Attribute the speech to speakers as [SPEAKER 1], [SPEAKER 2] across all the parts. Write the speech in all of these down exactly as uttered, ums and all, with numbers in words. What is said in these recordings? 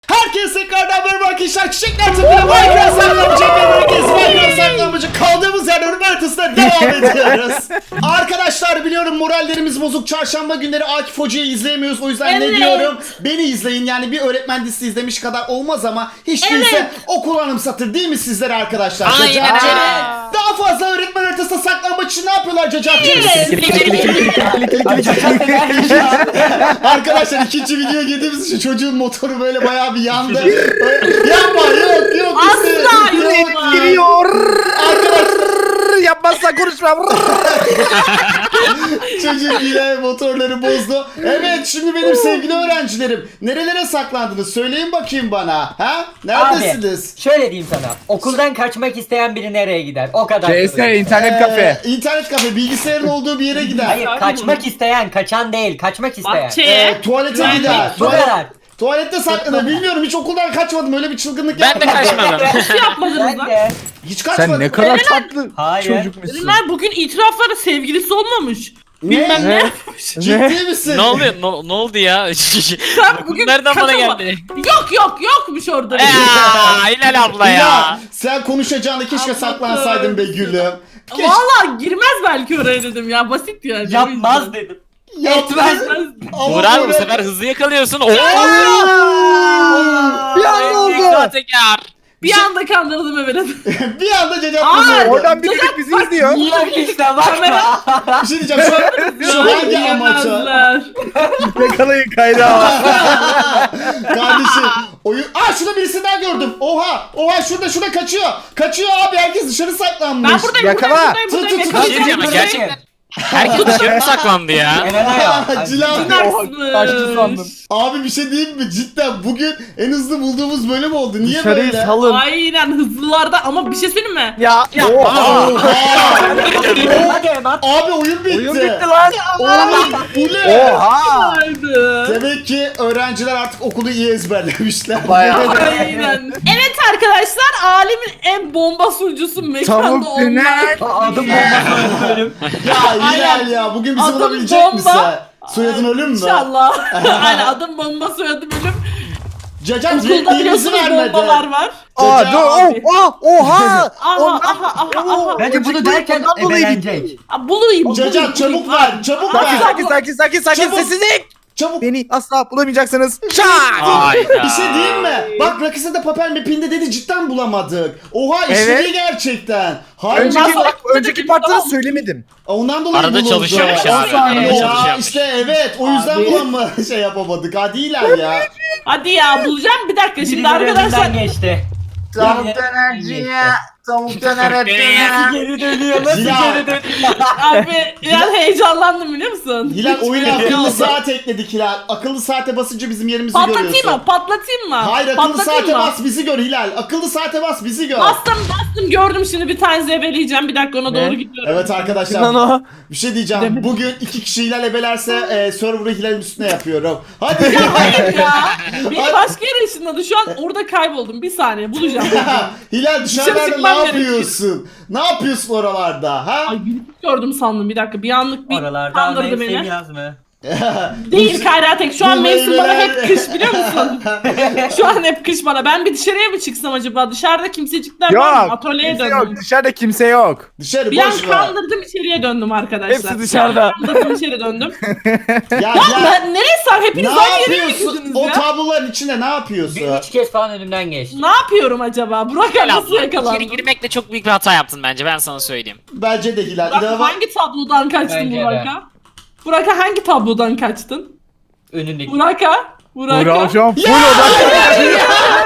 [SPEAKER 1] Herkese tekrardan merhaba arkadaşlar. Çiçekler Tıpkı'da Minecraft saklamacı herkes Minecraft saklamacı kaldığımız yerden ölüm haritasına devam ediyoruz. Arkadaşlar biliyorum morallerimiz bozuk. Çarşamba günleri Akif Hoca'yı izleyemiyoruz. O yüzden
[SPEAKER 2] Evet.
[SPEAKER 1] ne diyorum? Beni izleyin. Yani bir öğretmen dizisi izlemiş kadar olmaz ama hiç
[SPEAKER 2] Evet.
[SPEAKER 1] değilse okul anımsatır değil mi sizlere arkadaşlar?
[SPEAKER 3] Aynen
[SPEAKER 1] Cacat.
[SPEAKER 3] öyle.
[SPEAKER 1] Daha fazla öğretmen haritasında saklambaç için ne yapıyorlar Cacat'cığım? Arkadaşlar ikinci videoya girdiğimiz için çocuğun motoru böyle bayağı bir yandı. Yapma yok yok. işte-
[SPEAKER 2] Asla
[SPEAKER 1] yok.
[SPEAKER 2] yok.
[SPEAKER 4] Giriyor.
[SPEAKER 1] Arkadaşlar
[SPEAKER 4] Yapmazsan konuşma.
[SPEAKER 1] çocuk yine motorları bozdu. Evet şimdi benim sevgili öğrencilerim nerelere saklandınız söyleyin bakayım bana. Ha? Neredesiniz?
[SPEAKER 5] Abi şöyle diyeyim sana. Okuldan kaçmak isteyen biri nereye gider? O kadar.
[SPEAKER 4] C S internet kafe.
[SPEAKER 1] Ee, internet kafe bilgisayarın olduğu bir yere gider.
[SPEAKER 5] Hayır, kaçmak isteyen, kaçan değil, kaçmak isteyen.
[SPEAKER 2] Bahçeye.
[SPEAKER 1] Ee, tuvalete gider.
[SPEAKER 5] Bu
[SPEAKER 1] Tuvalet-
[SPEAKER 5] kadar.
[SPEAKER 1] Tuvalette saklanır. Bilmiyorum hiç okuldan kaçmadım. Öyle bir çılgınlık
[SPEAKER 3] Ben de
[SPEAKER 1] yapmadım.
[SPEAKER 3] kaçmadım.
[SPEAKER 2] Hiç yapmadınız
[SPEAKER 5] Ben
[SPEAKER 2] lan.
[SPEAKER 5] de.
[SPEAKER 1] Hiç kaçmadım.
[SPEAKER 4] Sen ne kadar tatlı
[SPEAKER 5] Hayır.
[SPEAKER 4] çocukmuşsun.
[SPEAKER 2] Ürünler bugün itiraflara sevgilisi olmamış.
[SPEAKER 1] Ne?
[SPEAKER 2] Bilmem ne.
[SPEAKER 1] Ciddi misin?
[SPEAKER 3] Ne oluyor? Ne, ne oldu ya?
[SPEAKER 2] Sen bugün
[SPEAKER 3] Nereden bana
[SPEAKER 2] kaçama-
[SPEAKER 3] geldi?
[SPEAKER 2] Yok yok yokmuş orada.
[SPEAKER 3] Eee Hilal abla
[SPEAKER 1] Ya
[SPEAKER 3] ya.
[SPEAKER 1] sen konuşacağını keşke
[SPEAKER 2] Anladım.
[SPEAKER 1] saklansaydın be gülüm. Keşke...
[SPEAKER 2] Valla girmez belki oraya dedim ya basit yani.
[SPEAKER 5] Yapmaz dedim.
[SPEAKER 1] Etmez.
[SPEAKER 2] Etmez.
[SPEAKER 1] Ama
[SPEAKER 3] Burak bu
[SPEAKER 1] böyle-
[SPEAKER 3] sefer hızlı yakalıyorsun. Oo!
[SPEAKER 4] Bir anda oldu.
[SPEAKER 3] Tekrar.
[SPEAKER 2] Bir anda kandırdım evet.
[SPEAKER 1] bir anda Cacat
[SPEAKER 2] Aa,
[SPEAKER 1] kızı oldu.
[SPEAKER 4] Oradan biri de bizi izliyor.
[SPEAKER 5] Yok işte bakma.
[SPEAKER 1] Bir şey diyeceğim şu an, şu hangi amaça?
[SPEAKER 2] Yemezler.
[SPEAKER 4] Yakalayın kaynağı.
[SPEAKER 1] Kardeşim oyun... Aa şurada birisini daha gördüm. Oha oha şurada şurada kaçıyor. Kaçıyor abi herkes dışarı saklanmış.
[SPEAKER 2] Ben buradayım
[SPEAKER 4] Yakala.
[SPEAKER 2] buradayım buradayım.
[SPEAKER 1] Tut, tut,
[SPEAKER 3] Bir şey
[SPEAKER 2] buradayım.
[SPEAKER 3] diyeceğim ama
[SPEAKER 5] Buradayım.
[SPEAKER 3] gerçekten. Herkes dışarı mı saklandı ya?
[SPEAKER 5] Elena ya.
[SPEAKER 1] Cilan.
[SPEAKER 4] Kaçtı sandım.
[SPEAKER 1] Abi bir şey diyeyim mi? Cidden bugün en hızlı bulduğumuz bölüm oldu. Niye
[SPEAKER 4] Dışarıyı
[SPEAKER 1] böyle?
[SPEAKER 4] salın.
[SPEAKER 2] Aynen hızlılarda ama bir şey söyleyeyim mi?
[SPEAKER 4] Ya.
[SPEAKER 1] Oha!
[SPEAKER 5] Hadi Emat.
[SPEAKER 1] Abi oyun bitti.
[SPEAKER 4] Oyun bitti lan.
[SPEAKER 1] Oğlum bu ne?
[SPEAKER 4] Oha.
[SPEAKER 2] Haydi.
[SPEAKER 1] Demek ki öğrenciler artık okulu iyi ezberlemişler.
[SPEAKER 4] Bayağı.
[SPEAKER 2] Aynen. Evet arkadaşlar alemin en bomba sunucusu mekanda
[SPEAKER 4] Tavuk
[SPEAKER 2] olmak.
[SPEAKER 4] döner.
[SPEAKER 5] Adım bombası bölüm.
[SPEAKER 1] Ya Hilal
[SPEAKER 2] Aynen.
[SPEAKER 1] ya bugün bizi
[SPEAKER 2] Adım
[SPEAKER 1] bulabilecek
[SPEAKER 2] bomba.
[SPEAKER 1] misin? Soyadın ölüm mü?
[SPEAKER 2] İnşallah. Aynen adım bomba soyadı bölüm.
[SPEAKER 1] Cacat
[SPEAKER 2] Okulda
[SPEAKER 1] repliğimizi
[SPEAKER 2] biliyorsunuz
[SPEAKER 1] vermedi.
[SPEAKER 2] bombalar var.
[SPEAKER 4] Aa
[SPEAKER 1] Cacat
[SPEAKER 4] dur. Oh, oh, oha.
[SPEAKER 2] Aha
[SPEAKER 4] Ondan-
[SPEAKER 2] aha aha aha.
[SPEAKER 5] Bence bunu derken
[SPEAKER 4] Ondan dolayı
[SPEAKER 5] ebelenecek.
[SPEAKER 2] Aa, Bulayım.
[SPEAKER 1] Cacat
[SPEAKER 2] bulayım,
[SPEAKER 1] çabuk
[SPEAKER 2] bulayım.
[SPEAKER 1] ver, çabuk
[SPEAKER 4] Sakin
[SPEAKER 1] ver.
[SPEAKER 4] sakin sakin sakin sakin
[SPEAKER 1] Çabuk.
[SPEAKER 4] sessizlik.
[SPEAKER 1] Çabuk.
[SPEAKER 4] Beni asla bulamayacaksınız. Çak.
[SPEAKER 3] Hayda.
[SPEAKER 1] Bir şey diyeyim mi? Bak Rakıs'a da papel mapinde dedi cidden bulamadık. Oha işledi
[SPEAKER 4] Evet.
[SPEAKER 1] gerçekten. Hayır.
[SPEAKER 4] Önceki,
[SPEAKER 2] Nasıl-
[SPEAKER 4] önceki parçları söylemedim.
[SPEAKER 1] Ondan dolayı
[SPEAKER 3] Arada
[SPEAKER 1] bulundu.
[SPEAKER 3] çalışıyormuş ya.
[SPEAKER 1] On saniye
[SPEAKER 3] Arada
[SPEAKER 1] ya.
[SPEAKER 3] çalışıyormuş.
[SPEAKER 1] İşte evet o yüzden
[SPEAKER 4] Abi.
[SPEAKER 1] bulama şey yapamadık. Hadi iler ya.
[SPEAKER 2] Hadi ya bulacağım bir dakika şimdi
[SPEAKER 5] Birileri
[SPEAKER 2] arkadaşlar.
[SPEAKER 5] önünden geçti.
[SPEAKER 4] Tavuk
[SPEAKER 5] Birileri
[SPEAKER 4] dönerciye. Tavuk
[SPEAKER 3] döner
[SPEAKER 5] Nasıl geri dönüyor? Nasıl
[SPEAKER 1] Ya.
[SPEAKER 5] geri dönüyor?
[SPEAKER 2] Abi biraz heyecanlandım biliyor musun?
[SPEAKER 1] Hilal oyuna akıllı saat ekledik Hilal. Akıllı saate basınca bizim yerimizi
[SPEAKER 2] Patlatayım
[SPEAKER 1] görüyorsun.
[SPEAKER 2] mı? Patlatayım mı?
[SPEAKER 1] Hayır akıllı
[SPEAKER 2] Patlatayım
[SPEAKER 1] saate
[SPEAKER 2] mı?
[SPEAKER 1] bas bizi gör Hilal. Akıllı saate bas bizi gör.
[SPEAKER 2] Bastım bastım gördüm şimdi bir tane zebeleyeceğim bir dakika ona doğru gidiyorum.
[SPEAKER 1] Evet arkadaşlar.
[SPEAKER 4] Lan o.
[SPEAKER 1] Bir şey diyeceğim. Bugün iki kişi Hilal ebelerse e, server'ı Hilal'in üstüne yapıyorum. Hadi.
[SPEAKER 2] Hayır ya. Beni başka yere ışınladı. Şu an orada kayboldum. Bir saniye bulacağım.
[SPEAKER 1] Hilal dışarılarda ne
[SPEAKER 2] çıkmam
[SPEAKER 1] yapıyorsun? Ne yapıyorsun oralarda? Ha?
[SPEAKER 2] Ay gülüp gördüm sandım bir dakika. Bir anlık bir
[SPEAKER 5] Oralarda
[SPEAKER 2] kandırdı
[SPEAKER 5] mevsim
[SPEAKER 2] beni.
[SPEAKER 5] yaz mı?
[SPEAKER 2] Değil Kayra tek. Şu an
[SPEAKER 1] Bu
[SPEAKER 2] mevsim bana
[SPEAKER 1] meyveler-
[SPEAKER 2] hep kış biliyor musun? Şu an hep kış bana. Ben bir dışarıya mı çıksam acaba? Dışarıda kimsecikler var mı?
[SPEAKER 4] Yok.
[SPEAKER 2] Atölyeye
[SPEAKER 4] Kimse
[SPEAKER 2] döndüm.
[SPEAKER 4] yok. Dışarıda kimse yok.
[SPEAKER 1] Dışarı
[SPEAKER 2] Bir an
[SPEAKER 1] boş ver.
[SPEAKER 2] kandırdım içeriye döndüm arkadaşlar.
[SPEAKER 4] Hepsi dışarıda.
[SPEAKER 2] Kandırdım içeri döndüm.
[SPEAKER 1] Ya,
[SPEAKER 2] Ya
[SPEAKER 1] ya
[SPEAKER 2] ben nereye sar?
[SPEAKER 1] ne
[SPEAKER 2] Hepiniz aynı yere mi
[SPEAKER 1] yapıyorsun?
[SPEAKER 2] girdiniz
[SPEAKER 1] O
[SPEAKER 2] ya?
[SPEAKER 1] tabloların içinde ne yapıyorsun?
[SPEAKER 5] Bir üç kez falan önümden geçti.
[SPEAKER 2] Ne yapıyorum acaba? Burak
[SPEAKER 3] Hilal
[SPEAKER 2] nasıl
[SPEAKER 3] abla.
[SPEAKER 2] yakalandı?
[SPEAKER 3] İçeri girmekle çok büyük bir hata yaptın bence ben sana söyleyeyim.
[SPEAKER 1] Bence de Hilal.
[SPEAKER 2] Burak,
[SPEAKER 1] İnanılmaz.
[SPEAKER 2] hangi tablodan kaçtın
[SPEAKER 5] Bence de.
[SPEAKER 2] Burak'a? Burak'a hangi tablodan kaçtın?
[SPEAKER 5] Önündeki.
[SPEAKER 2] Burak'a? Burak'a?
[SPEAKER 4] Burak şu an full odak.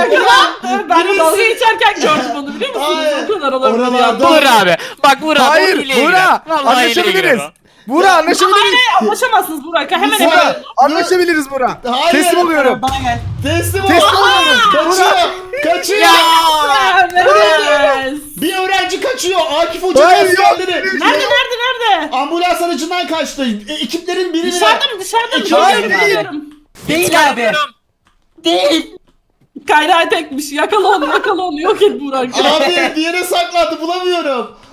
[SPEAKER 2] Ben de dalga geçerken gördüm onu biliyor musunuz?
[SPEAKER 1] Hayır.
[SPEAKER 2] O kadar olabilir
[SPEAKER 1] Oralarda-
[SPEAKER 2] ya.
[SPEAKER 3] Vur abi. Bak vur abi.
[SPEAKER 4] Hayır.
[SPEAKER 3] o hileye
[SPEAKER 4] Burak.
[SPEAKER 3] girer. Vallahi hileye girer
[SPEAKER 4] Anlaşabiliriz.
[SPEAKER 3] o.
[SPEAKER 4] Burak anlaşabiliriz.
[SPEAKER 2] Aynen anlaşamazsınız Burak'a. Hemen
[SPEAKER 1] Burak.
[SPEAKER 2] hemen.
[SPEAKER 4] Anlaşabiliriz Burak.
[SPEAKER 1] Hayır.
[SPEAKER 4] Teslim oluyorum.
[SPEAKER 5] Bana gel.
[SPEAKER 1] Teslim ol.
[SPEAKER 4] Teslim oluyorum.
[SPEAKER 1] Kaçıyor. Kaçıyor.
[SPEAKER 2] Evet.
[SPEAKER 1] Bir öğrenci kaçıyor. Akif Hoca
[SPEAKER 4] Hayır,
[SPEAKER 1] askerleri.
[SPEAKER 2] Nerede nerede nerede?
[SPEAKER 1] Ambulans aracından kaçtı. E, ekiplerin birini
[SPEAKER 2] Dışarıda mı dışarıda mı?
[SPEAKER 1] Hayır,
[SPEAKER 2] Görüyorum,
[SPEAKER 1] değil.
[SPEAKER 2] görüyorum.
[SPEAKER 5] Değil abi. Değil.
[SPEAKER 2] Kayra tekmiş. Yakala onu yakala onu. Yok et Burak.
[SPEAKER 1] Abi bir yere saklandı bulamıyorum.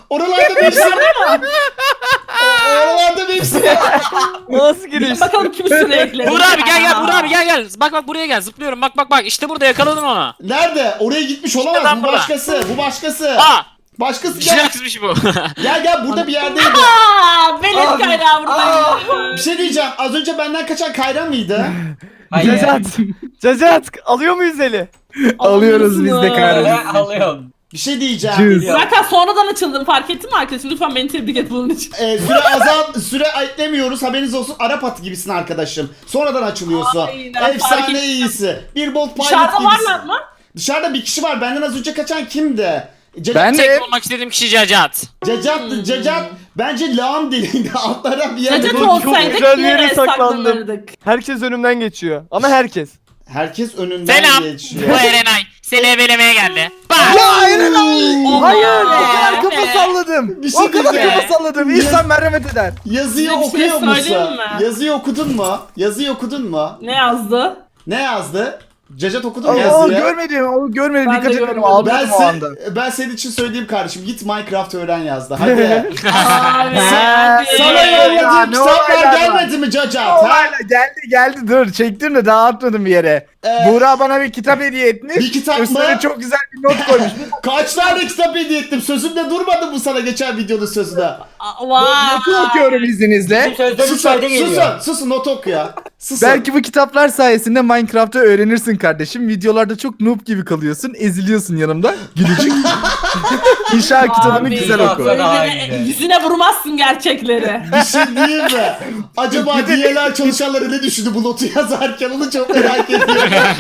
[SPEAKER 1] Oralarda bir hepsi. Oralarda bir hepsi.
[SPEAKER 6] Nasıl giriş?
[SPEAKER 2] Bakalım kim üstüne ekledi.
[SPEAKER 3] Buğra abi gel gel Buğra abi gel gel. Bak bak buraya gel zıplıyorum. Bak bak bak işte burada yakaladım onu.
[SPEAKER 1] Nerede? Oraya gitmiş
[SPEAKER 3] İşte
[SPEAKER 1] olamaz.
[SPEAKER 3] lan
[SPEAKER 1] Bu
[SPEAKER 3] burada.
[SPEAKER 1] başkası. Bu başkası.
[SPEAKER 3] Aa!
[SPEAKER 1] Başkası gel.
[SPEAKER 3] Jirox'mış bu.
[SPEAKER 1] Gel gel burada bir yerdeydi.
[SPEAKER 2] Aa, Velet
[SPEAKER 5] Abi.
[SPEAKER 2] kaynağı burada.
[SPEAKER 1] Bir şey diyeceğim. Az önce benden kaçan Kayra mıydı?
[SPEAKER 5] Hayır.
[SPEAKER 6] Cacat. Cacat. Alıyor muyuz eli?
[SPEAKER 4] Alıyoruz biz de
[SPEAKER 2] Alıyorsunuz.
[SPEAKER 4] kahretsin.
[SPEAKER 5] Alıyorum.
[SPEAKER 1] Bir şey diyeceğim.
[SPEAKER 4] Cüz.
[SPEAKER 2] Zaten sonradan açıldım, fark ettin mi arkadaşım? Lütfen beni tebrik et bunun için.
[SPEAKER 1] Ee, süre azal, süre eklemiyoruz. Haberiniz olsun. Arap atı gibisin arkadaşım. Sonradan açılıyorsun.
[SPEAKER 2] Aynen, fark
[SPEAKER 1] Efsane
[SPEAKER 2] ettim.
[SPEAKER 1] iyisi. Bir bolt pilot
[SPEAKER 2] Dışarıda
[SPEAKER 1] gibisin.
[SPEAKER 2] varlar mı?
[SPEAKER 1] Dışarıda bir kişi var. Benden az önce kaçan kimdi? Cacat.
[SPEAKER 4] Ben de
[SPEAKER 3] Tek olmak istediğim kişi Cacat.
[SPEAKER 1] Cacat'tı. Cacat bence lağım deliğinde altlara bir yerde.
[SPEAKER 2] Cacat
[SPEAKER 6] çok
[SPEAKER 2] olsaydık
[SPEAKER 6] güzel bir yere
[SPEAKER 2] nereye
[SPEAKER 6] saklandım.
[SPEAKER 2] saklanırdık?
[SPEAKER 6] Herkes önümden geçiyor. Ama herkes.
[SPEAKER 1] Herkes önünden
[SPEAKER 3] Selam.
[SPEAKER 1] geçiyor.
[SPEAKER 3] Bu Erenay. Seni ebelemeye geldi. Bak.
[SPEAKER 4] Ya Erenay!
[SPEAKER 6] Hayır.
[SPEAKER 4] O kadar kafa salladım.
[SPEAKER 1] Bir şey
[SPEAKER 4] O kadar
[SPEAKER 1] diyeceğim.
[SPEAKER 4] kafa salladım. İnsan merhamet eder.
[SPEAKER 1] Yazıyı
[SPEAKER 2] Size bir şey
[SPEAKER 1] okuyor
[SPEAKER 2] söyleyeyim
[SPEAKER 1] musun?
[SPEAKER 2] mi?
[SPEAKER 1] Yazıyı okudun mu? Yazıyı okudun mu?
[SPEAKER 2] Ne yazdı?
[SPEAKER 1] Ne yazdı? Cacat okudun mu
[SPEAKER 4] O
[SPEAKER 1] yazıyı?
[SPEAKER 4] görmedim. O görmedim.
[SPEAKER 2] Ben de
[SPEAKER 4] Dikkat etmedim.
[SPEAKER 2] görmedim.
[SPEAKER 4] Aldım
[SPEAKER 1] Ben,
[SPEAKER 4] o anda.
[SPEAKER 1] se- ben senin için söyleyeyim kardeşim. Git Minecraft öğren yazdı. Hadi.
[SPEAKER 2] Abi.
[SPEAKER 4] Ha,
[SPEAKER 2] hadi.
[SPEAKER 1] Sana
[SPEAKER 4] Ya,
[SPEAKER 1] yolladığım
[SPEAKER 4] ne
[SPEAKER 1] kitaplar
[SPEAKER 4] olaylar var.
[SPEAKER 1] gelmedi mi Cacat? Ha?
[SPEAKER 4] Olayla geldi geldi dur çektim de daha atmadım bir yere.
[SPEAKER 1] Ee,
[SPEAKER 4] Buğra bana bir kitap hediye etmiş.
[SPEAKER 1] Bir kitap mı?
[SPEAKER 4] Üstüne çok güzel bir not koymuş.
[SPEAKER 1] Kaç tane kitap hediye ettim? Sözümde durmadı bu sana geçen videonun sözünde.
[SPEAKER 2] Aa, Vay.
[SPEAKER 4] Notu okuyorum izninizle.
[SPEAKER 5] Bizim sözde bir
[SPEAKER 1] Susun,
[SPEAKER 5] fayda geliyor.
[SPEAKER 1] susun, susun not oku ya. Susun.
[SPEAKER 4] Belki bu kitaplar sayesinde Minecraft'ı öğrenirsin kardeşim. Videolarda çok noob gibi kalıyorsun. Eziliyorsun yanımda. Gülücük. İnşaat kitabını
[SPEAKER 2] Abi,
[SPEAKER 4] güzel
[SPEAKER 5] çok
[SPEAKER 4] oku.
[SPEAKER 5] güzel. Daha
[SPEAKER 2] Yüzüne,
[SPEAKER 5] iyi.
[SPEAKER 2] yüzüne vurmazsın gerçekleri.
[SPEAKER 1] Bir şey diyeyim mi? Acaba D L R çalışanları ne düşündü bu notu yazarken onu çok merak ediyorum.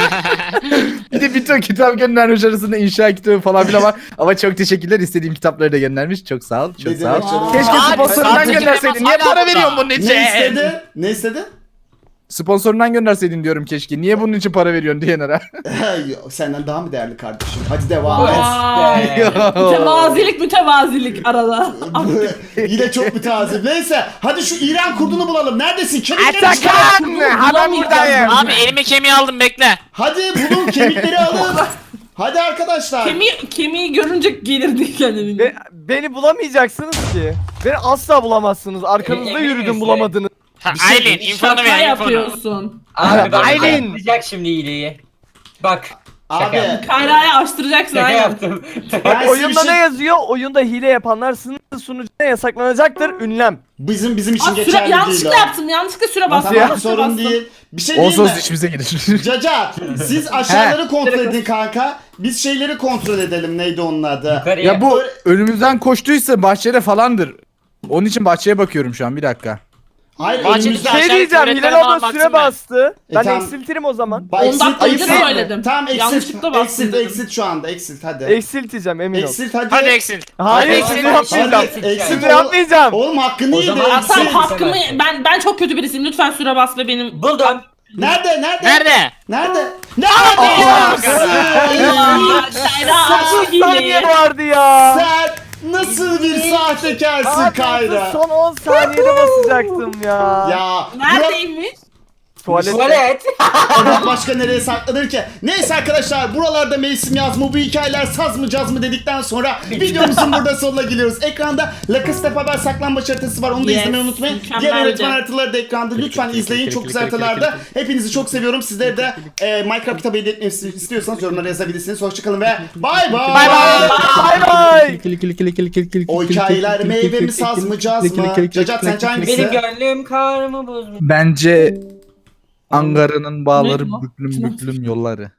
[SPEAKER 4] Bir de bir ton kitap göndermiş arasında inşaat kitabı falan filan var. Ama çok teşekkürler. İstediğim kitapları da göndermiş. Çok sağ ol. Çok
[SPEAKER 1] Ne
[SPEAKER 4] sağ ol.
[SPEAKER 1] demek canım?
[SPEAKER 4] Keşke
[SPEAKER 3] Abi,
[SPEAKER 4] sponsorundan
[SPEAKER 3] sadece
[SPEAKER 4] gönderseydin. Niye
[SPEAKER 3] hala
[SPEAKER 4] para
[SPEAKER 3] burada.
[SPEAKER 4] veriyorsun bunun için?
[SPEAKER 1] Ne istedi? Ne istedi?
[SPEAKER 4] Sponsorundan gönderseydin diyorum keşke. Niye bunun için para veriyorsun diyenlere.
[SPEAKER 1] Yok, senden daha mı değerli kardeşim? Hadi devam et.
[SPEAKER 2] Vay. Mütevazilik mütevazilik arada.
[SPEAKER 1] Yine çok mütevazı. Neyse hadi şu İran kurdunu bulalım. Neredesin? Kemikleri çıkar.
[SPEAKER 4] Atakan! Hemen buradayım.
[SPEAKER 3] Abi elime kemiği aldım bekle.
[SPEAKER 1] Hadi bulun kemikleri alın. Hadi arkadaşlar.
[SPEAKER 2] Kemiği, kemiği görünce gelirdi kendini.
[SPEAKER 6] Be- beni bulamayacaksınız ki. Beni asla bulamazsınız. Arkanızda
[SPEAKER 5] Emin
[SPEAKER 6] yürüdüm
[SPEAKER 5] misin?
[SPEAKER 6] bulamadınız.
[SPEAKER 3] Ha,
[SPEAKER 1] Bir şey-
[SPEAKER 3] Aylin infonu
[SPEAKER 2] Şaka
[SPEAKER 3] ver infonu.
[SPEAKER 2] yapıyorsun.
[SPEAKER 5] Abi bak
[SPEAKER 6] Aylin.
[SPEAKER 5] yapacak şimdi iyiliği. Bak. Şaka
[SPEAKER 1] Abi
[SPEAKER 5] yaptım.
[SPEAKER 2] Kayra'ya açtıracaksın
[SPEAKER 5] Şaka
[SPEAKER 2] aynen.
[SPEAKER 5] yaptım.
[SPEAKER 1] ben size
[SPEAKER 6] Oyunda
[SPEAKER 1] bir şey-
[SPEAKER 6] ne yazıyor? Oyunda hile yapanlar sınır sunucuya yasaklanacaktır. Ünlem.
[SPEAKER 1] Bizim bizim için
[SPEAKER 2] Aa, süre,
[SPEAKER 1] geçerli değil
[SPEAKER 2] yanlışlıkla
[SPEAKER 1] o.
[SPEAKER 2] yaptım. Yanlışlıkla süre bastım.
[SPEAKER 1] Tamam
[SPEAKER 2] Süre
[SPEAKER 1] sorun
[SPEAKER 2] bastım.
[SPEAKER 1] değil. Bir şey değil
[SPEAKER 4] Olsun
[SPEAKER 1] mi?
[SPEAKER 4] işimize gelir.
[SPEAKER 1] Cacat siz aşağıları kontrol edin kanka. Biz şeyleri kontrol edelim. Neydi onun adı?
[SPEAKER 5] Yukarıya.
[SPEAKER 4] Ya bu önümüzden koştuysa bahçede falandır. Onun için bahçeye bakıyorum şu an bir dakika.
[SPEAKER 1] Hayır
[SPEAKER 3] Bahçe-
[SPEAKER 1] önümüzde.
[SPEAKER 3] Aşağı
[SPEAKER 6] Şey diyeceğim.
[SPEAKER 3] tuvaletlere
[SPEAKER 6] Hilal
[SPEAKER 3] falan
[SPEAKER 6] abla süre
[SPEAKER 3] baktım ben.
[SPEAKER 6] bastı.
[SPEAKER 1] E,
[SPEAKER 6] Ben
[SPEAKER 1] tamam.
[SPEAKER 6] eksiltirim o zaman.
[SPEAKER 1] Bak,
[SPEAKER 2] On
[SPEAKER 1] exit-
[SPEAKER 2] dakika önce
[SPEAKER 1] exit-
[SPEAKER 2] söyledim.
[SPEAKER 1] Tamam exit.
[SPEAKER 2] Yanlışlıkla bastım
[SPEAKER 1] Exit
[SPEAKER 2] dedim.
[SPEAKER 1] exit şu anda exit hadi.
[SPEAKER 6] Eksilteceğim emin ol.
[SPEAKER 1] Exit hadi.
[SPEAKER 3] Hadi eksil.
[SPEAKER 6] Hayır
[SPEAKER 3] Hadi
[SPEAKER 6] şimdi
[SPEAKER 3] eksil.
[SPEAKER 6] yapmayacağım.
[SPEAKER 1] Hadi
[SPEAKER 5] Exit
[SPEAKER 1] exit.
[SPEAKER 6] Şimdi
[SPEAKER 1] oğlum-
[SPEAKER 6] yapmayacağım.
[SPEAKER 1] Oğlum hakkını
[SPEAKER 5] O
[SPEAKER 1] yedi.
[SPEAKER 5] zaman-
[SPEAKER 1] exit.
[SPEAKER 2] Tamam
[SPEAKER 5] Exit.
[SPEAKER 2] hakkımı ben ben çok kötü birisiyim. Lütfen süre bas ve benim.
[SPEAKER 5] Buldum.
[SPEAKER 1] Nerede nerede?
[SPEAKER 3] Nerede?
[SPEAKER 1] Nerede? Nerede?
[SPEAKER 2] Kayra açtı
[SPEAKER 6] Saniye
[SPEAKER 2] hileyi.
[SPEAKER 6] vardı ya.
[SPEAKER 1] Sen nasıl bir sahtekarsın
[SPEAKER 6] Abi
[SPEAKER 1] Kayra?
[SPEAKER 6] son on saniyede basacaktım ya.
[SPEAKER 1] Ya
[SPEAKER 2] Neredeymiş?
[SPEAKER 6] Tuvalet.
[SPEAKER 5] Tuvalet.
[SPEAKER 1] Burak başka nereye saklanır ki? Neyse arkadaşlar buralarda mevsim yaz mı bu hikayeler saz mı caz mı dedikten sonra videomuzun burada sonuna geliyoruz. Ekranda La Casa de Papel saklambaç haritası var onu da
[SPEAKER 2] Yes,
[SPEAKER 1] izlemeyi unutmayın.
[SPEAKER 2] mükemmeldi.
[SPEAKER 1] Diğer öğretmen haritaları da ekranda lütfen izleyin çok güzel haritalarda. Hepinizi çok seviyorum. Sizleri de e, Minecraft kitabı hediye etmemi istiyorsanız yorumlara yazabilirsiniz. Hoşçakalın ve bay bay.
[SPEAKER 3] Bay bay.
[SPEAKER 6] Bay bay.
[SPEAKER 1] O hikayeler meyve mi saz mı caz mı? Cacat sence hangisi?
[SPEAKER 5] Benim gönlüm kar mı buz mu?
[SPEAKER 4] Bence Angara'nın bağları
[SPEAKER 2] Ne bu?
[SPEAKER 4] büklüm büklüm yolları.